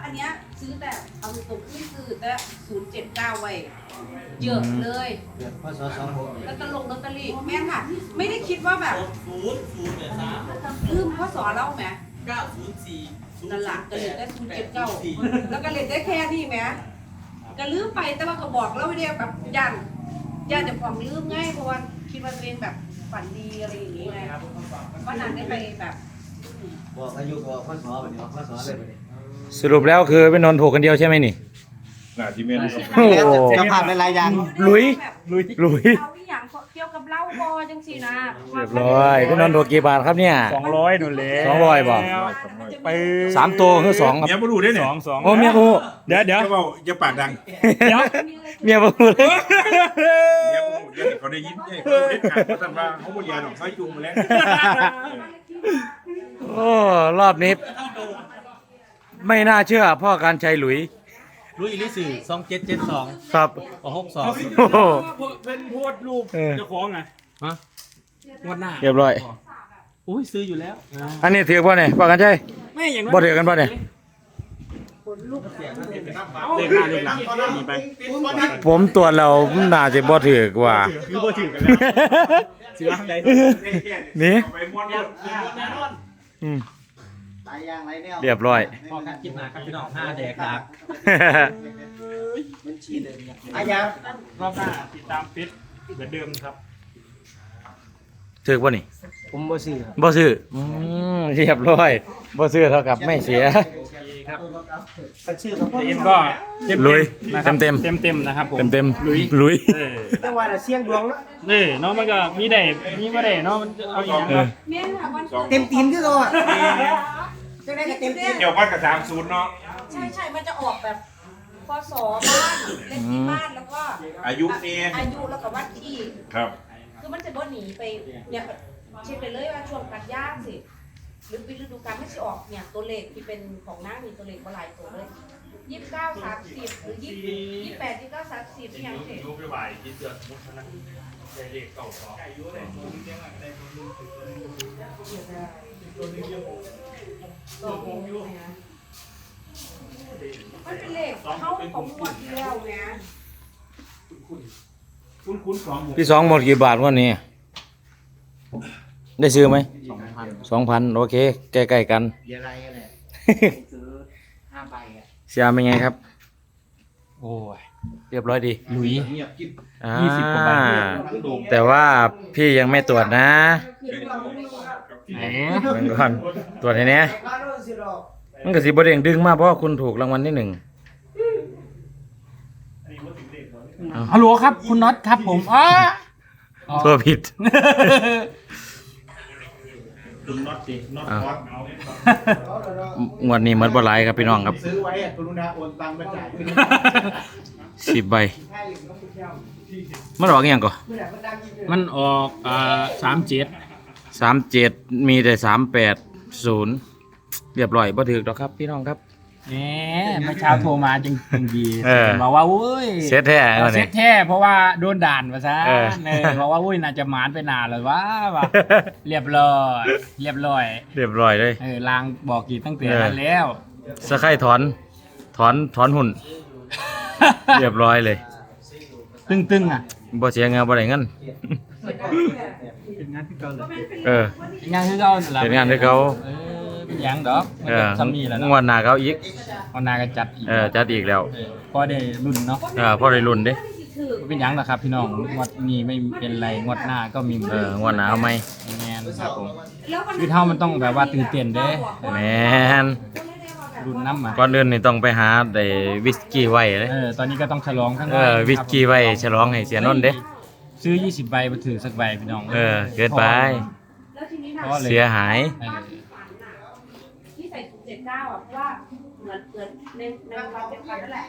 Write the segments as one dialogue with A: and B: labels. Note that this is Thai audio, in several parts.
A: นเนี้ยซื้อแต่เอาตรงที่ซื้อแต่079ไว้เยอะเลย
B: พศ26
A: แล้วก็ลงลอตเตอรี่แม่ค่ะไม่ได้คิดว่าแบบลืมพ่อสอนเล่าไหมนั่นแหละก็เลยได้079แล้วก็เลยได้แค่นี้ไหมก็ลืมไปแต่ว่าก็บอกแล้วเดียวแบบยันจะความลืมง่ายเพราะว่าคิดว่าตัวเองแบบฝันดีอะไรอย่างงี้ไงวันนั้นได้ไปแบบ
B: บอกอายุบอกพศแบบนี้พศเลยแบบนี้
C: สรุปแล้วคือเป็นนนท์ถูกกันเดียวใช่ไหมนี่
D: น่าที่เมน
C: โอ้โห
B: จะผ่านเป็นรายอย่าง
C: ลุย
A: เอาอีหยังเกี่ยวกับเหล้าบอจังสินะ
C: เรียบร้อยเป็นนนท์ถูกกี่บาทครับเนี่ย
E: 200นู่นเลย
C: 200บ่
E: ไป
C: 3ตัวคือ2ครับ
D: เมียบ่รู้ได้เนี่ย
E: 2
C: โอ้เมียกู
E: เดี๋ยว
D: อย่าเว้าอย่าปากดัง
C: เมียบ่เลย
D: เมียบ่รู้อย่าให้เขาได้ยินอย่าให้เขารู้เด็ดขาดเพราะท่านว่าเขาบ่เรียนหรอกเขาจุงมาแล้ว
C: โอ้รอบนี้ไม่น่าเชื่อพ่อการชัยหลุย
B: รู้อีลิสื่อ2772
C: ครับ
B: 62
C: โอ้โห
E: เป็นโพสต์รูปเจ้าของไง
B: ฮะงวดหน้า
C: เรียบร้อย
B: อุ้ยซื้ออยู่แล้ว
C: อันนี้ถือป่ะเนี่ยพ่อการชัย
E: ไม่อย่างนั้น
C: บ่ถือกันป่ะเนี่ย
E: เลขหน้าเลขหลังมีไป
C: ผมตรวจแล้วน่าจะบ่ถือกว่า
E: คือบ่ถือกันแล้วซื้อร้านใด
C: นี่
D: ไปม้วนรถ
C: อืม
B: หลายอย่างหลายแนว
C: เรียบร้อย
B: พอกันคลิปหน้าครับพี่น้อง5แดกดักมันชีเลยอายัง
E: รอบหน้าติดตามฟิตเหมือนเดิมครับ
C: ถือป่ะนี่
B: ผมบ่ซื้อครับ
C: บ่ซื้อเรียบร้อยบ่ซื้อเท่ากับไม่เสีย
E: ครับ
B: มันชื่อของพ่อ
E: เอ็มก็เต็ม
C: ลุย
E: นะครับ
C: เต็ม
E: เต็มนะครับผม
C: เต็ม
E: ลุย
C: ลุย
B: แต่ว่าเสียงดวงเนาะ
E: นี่เนาะมันก็มีได้มีบ่ได้เนาะมันเอาอย่าง
C: เอ
E: เนาะ
C: อ
A: แม่ค่ะวัน
B: เต็มตีนคือเขาอ่ะจะได้ก็เต็มตีน
D: เกี่ยวพันกับ30เนาะ
A: ใช่มันจะออกแบบพศบ้านเลขที่บ้านแล้วก็
D: อายุนี่
A: อายุแล้วก็วันที่
D: ครับ
A: คือมันจะบ่หนีไปเนี่ยเช็คไปเลยว่าช่วงกันย่างสิหรือปีฤดูกาลไม่ใช่ออกเนี่ยตัวเลขที่เป็นของนางนี่ตัวเลขบ่หลายตัวเลย29 30หรือ28 29 30ที่ยังสิ
E: ยูไปไหวที่เสือมุกนะใจเด็กเก่าสอง
A: ตัวเลขนะมันเป็นเลขเข้าของงวดที่แล้วนะ
E: คุ้นสองหมู่
C: พี่สองหมดกี่บาทวันนี้ ได้ซื้อไหม 2,000 โอเค ใกล้ๆกัน
B: เดี๋ยวอะไรกันเนี่ยซื้อ5ใบอ่ะ
C: เสียเป็นไงครับ
E: โอ้ย
C: เรียบร้อยดี
E: ลุย
C: อ่า
E: 20 กว่าบาท
C: แต่ว่าพี่ยังไม่ตรวจนะ
E: แหม
C: เบิ่งก่อนตรวจให้แน่มันก็สิบ่เด้งดึงมาเพราะว่าคุณถูกรางวัลที่ 1
E: ฮัลโหลครับคุณน็อตครับผม
C: โทษผิด
D: คุณน็อตดิน็อต
C: อ่ะ
D: คอส
C: งวดนี้หมดบ่หลายครับพี่น้องครับ
B: ซื้อไว้กรุณาโอนตังค์มาจ่าย
C: 10 ใบ มันออกอหย่างก่อน
E: มันออก37
C: 37 มีแต่380 เรียบร้อยบ่ถูกดอกครับพี่น้องครับ
E: แหมเมื่อเช้าโทรมาจังดี
C: เออ
E: บอกว่าอุ้ย
C: เซ็ตแท้
E: เซ็ตแท้เพราะว่าโดนด่านมาซะ
C: เออ
E: บอกว่าอุ้ยน่าจะหมานไปนานเลยว่าเรียบร้อยเรียบร้อย
C: เรียบร้อยเลย
E: ลางบอกกี่ตั้งแต่นั้นแล้ว
C: สะไคร้ถอนหุ่น เรียบร้อยเลย
E: ตึงอ่ะ
C: บ่เสียเงินบ่ได้เงิน
E: เป็นงานที่เก่าเลย
C: เออ
E: เป็นงานที่เก่านั่นแหละ
C: เป็นงานที่เก่า
E: เป็นหยังดอกมัน
C: เอ
E: ก็
C: อ
E: ซ้ำนี่แหละ
C: ง
E: เนาะ
C: วดหน้าเขาอีก
E: วันนาก็จัดอีก
C: จัดอีกแล้ว
E: พอได้รุ่นเนาะ
C: พอได้รุ่นเด้
E: เป็นหยังนะครับพี่น้องงวดนี้ไม่เป็นไรงวดหน้าก็มี
C: งวดหน้าเอาไหม
E: แมนครับผมคือเท่ามันต้องแบบว่าตื่นเต้นเด้
C: แม่น
E: รุ่นน้ำอ่ะ
C: ก่อนอื่นนี่ต้องไปหาได้วิสกี้ไว้เลย
E: ตอนนี้ก็ต้องฉลองข้างใน
C: วิสกี้ไว้ฉลองให้เสียนนท์เด้
E: ซื้อ20 ใบมาถือสักใบพี่น้อง
C: เกินไป
A: แล้วทีนี้นะ
E: เพราะอะไร
C: เสียหาย
A: ที่ใส่079อ่ะเพราะว่าเหมือนในวันเดียวกันนั่นแหละ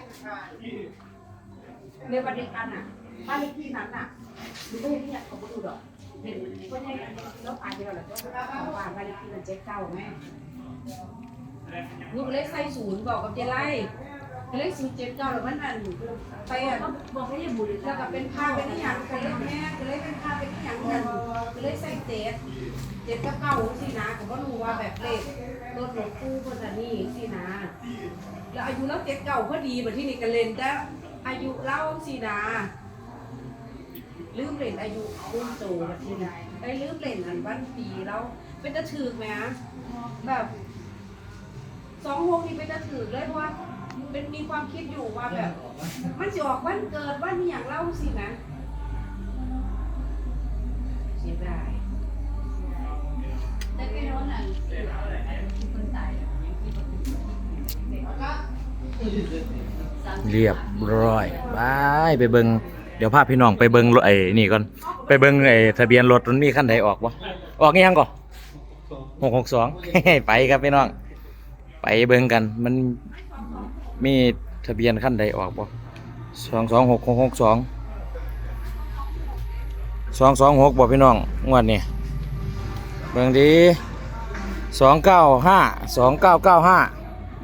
A: ในวันเดียวกันอ่ะบ้านเลขที่นั้นอ่ะดูไม่เห็นที่เขาไม่ดูหรอกเห็นก็ใช่แล้วอ่านไปแล้วแหละก็ของบ้านเลขที่มัน79แม่ลูกเล็กใส่0บอกกับเจไล่เลข079แล้วมันนั่นไปอ่ะบอกให้ยายบุญแล้วก็เป็นภาพเป็นอย่างไปเลขแม่ไปเลขเป็นภาพเป็นอย่างนั้นไปเลขใส่7กับ9สินะผมก็รู้ว่าแบบเลขรถหลวงปู่คนนี้สินะแล้วอายุเรา79พอดีบัดที่นี่ก็เล่นแต่อายุเราสินะลืมเล่นอายุรุ่นโตบัดที่นี่ได้ลืมเล่นอันวันปีแล้วเป็นตะถึกไหมแบบ26นี่เป็นตะถึกเลยเพราะว่าเป็นมีความคิดอยู่ว่าแบบมันจะออกวันเกิดวันนี้อย่างเล่าสินะเสียดายแต่ไปโน่นน่ะคนตาย
C: เรียบร้อยไปเบิ่งเดี๋ยวพาพี่น้องไปเบิ่งรถไอ้นี่ก่อนไปเบิ่งไอ้ทะเบียนรถมันมีคันใดออกบ่ออกอีหยังก่อน662 ไปครับพี่น้องไปเบิ่งกันมันมีทะเบียนคันใดออกบ่226662 226บ่พี่น้องงวดนี้เบิ่งดี295 2995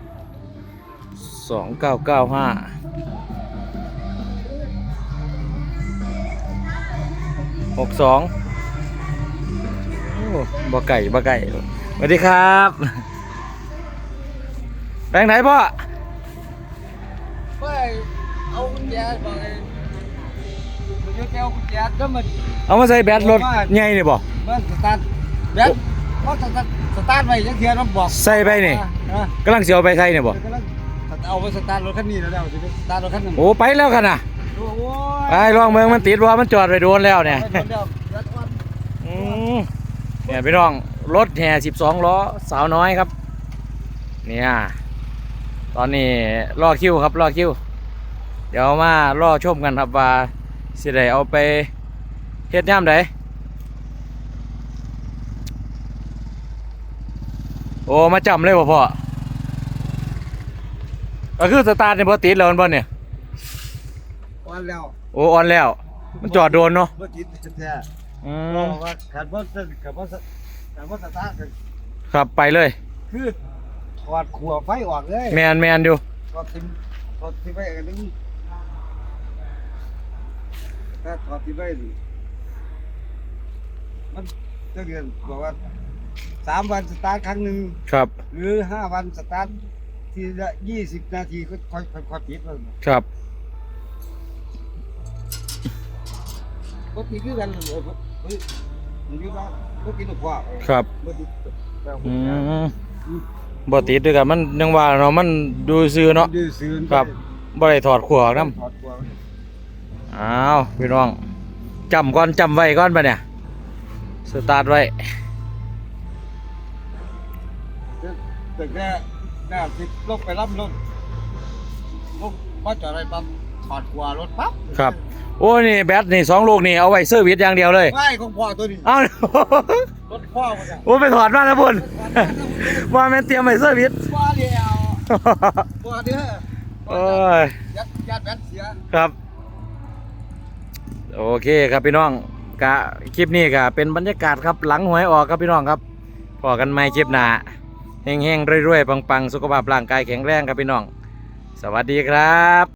C: 62 โอ้บ่ไก่สวัสดีครับแปลงไหนพ่อ
E: ไปเอากุญแจบอกไอ้มันจะเอากุญแจก็มัน
C: เอามาใส่แบตรถใหญ่นี่บ่
E: มันสตาร์ทแบตมันสตาร์ทไว้จังเทียนมันบอก
C: ใส่ไปนี่
E: อ่ะ
C: กำลังสิเอาไปใส่นี่บ่
E: กำลังเอาไปสตาร์ทรถคันนี้แล้วสิสตาร์ทรถคันนึง
C: โอ้ไปแล้วกันน่ะ
E: โอ้โห
C: ไปลองเมืองมันติดว่ามันจอดไปโดนแล้วเนี่ย
E: ไปเดี๋ยวรัดวัน
C: เนี่ยพี่น้องรถแห่12ล้อสาวน้อยครับเนี่ยตอนนี้รอคิวครับรอคิวเดี๋ยวมารอชมกันครับว่าสิได้เอาไปเฮ็ดย่ามใดโอ้มาจำเลยบ่พ่อก็คือสตาร์ทในบ่ติดแล้วมันบ่เนี่ย
E: วันแล้ว
C: โอ้ออนแล้วมันจอดโดนเนาะ
E: เมื่อกี้แท้
C: อื
E: เพ
C: ม
E: ราะว่าขันว่าสตาร์ท
C: ครับไปเลย
E: คือถอดขัวไฟออกเลย
C: แมนอยู่
E: ถอดทิ้งไว้กันนึงถ้าถอดทิ้งไว้มันจะเดือนบอกว่า3 วันสตาร์ทครั้งหนึ่ง
C: ครับ
E: หรือ5 วันสตาร์ททีละ20 นาทีก็ค่อยปิดมัน
C: ครับ
E: ก็ตีคือกันมันอยู่บ้านก็กินหัว
C: ครับ
E: บ่ติดแต่หั
C: อื
E: ว
C: มบ่ติดด้วยกันมันยังว่าเนาะมันดูซื่อเนาะ
E: ดื้อซื่อ
C: ครับบ่ได้ถอดขัวออกนำ
E: ถอดขัว
C: อ้าวพี่น้องจำก่อนจำไว้ก่อนปะเนี่ยสตาร์ทไว้
E: แต่แค่หน้าสิลงไปรับรถลงมาจอดอะไรปั๊บถอดขัวรถปั๊บ
C: ครับโอ้นี่แบตนี่2ลูกนี่เอาไว้เซอร์วิสอย่างเดียวเลย
E: ไม่ของพ่อตัวนี้
C: เอ้าร
E: ถพ่อมันอะ
C: โอ้ไปถอดมาแล้วพุ่น ว่าแม่นเตรียมไว้เซอร์วิส
E: พ่อเดียวพ่อเด้อ
C: โอ้ย
E: ยัดแบตเสีย
C: ครับโอเคครับพี่น้องกะคลิปนี้ก็เป็นบรรยากาศครับหลังหวยออกครับพี่น้องครับพอกันใหม่คลิปหน้าเฮงๆรวยๆปังๆสุขภาพร่างกายแข็งแรงครับพี่น้องสวัสดีครับ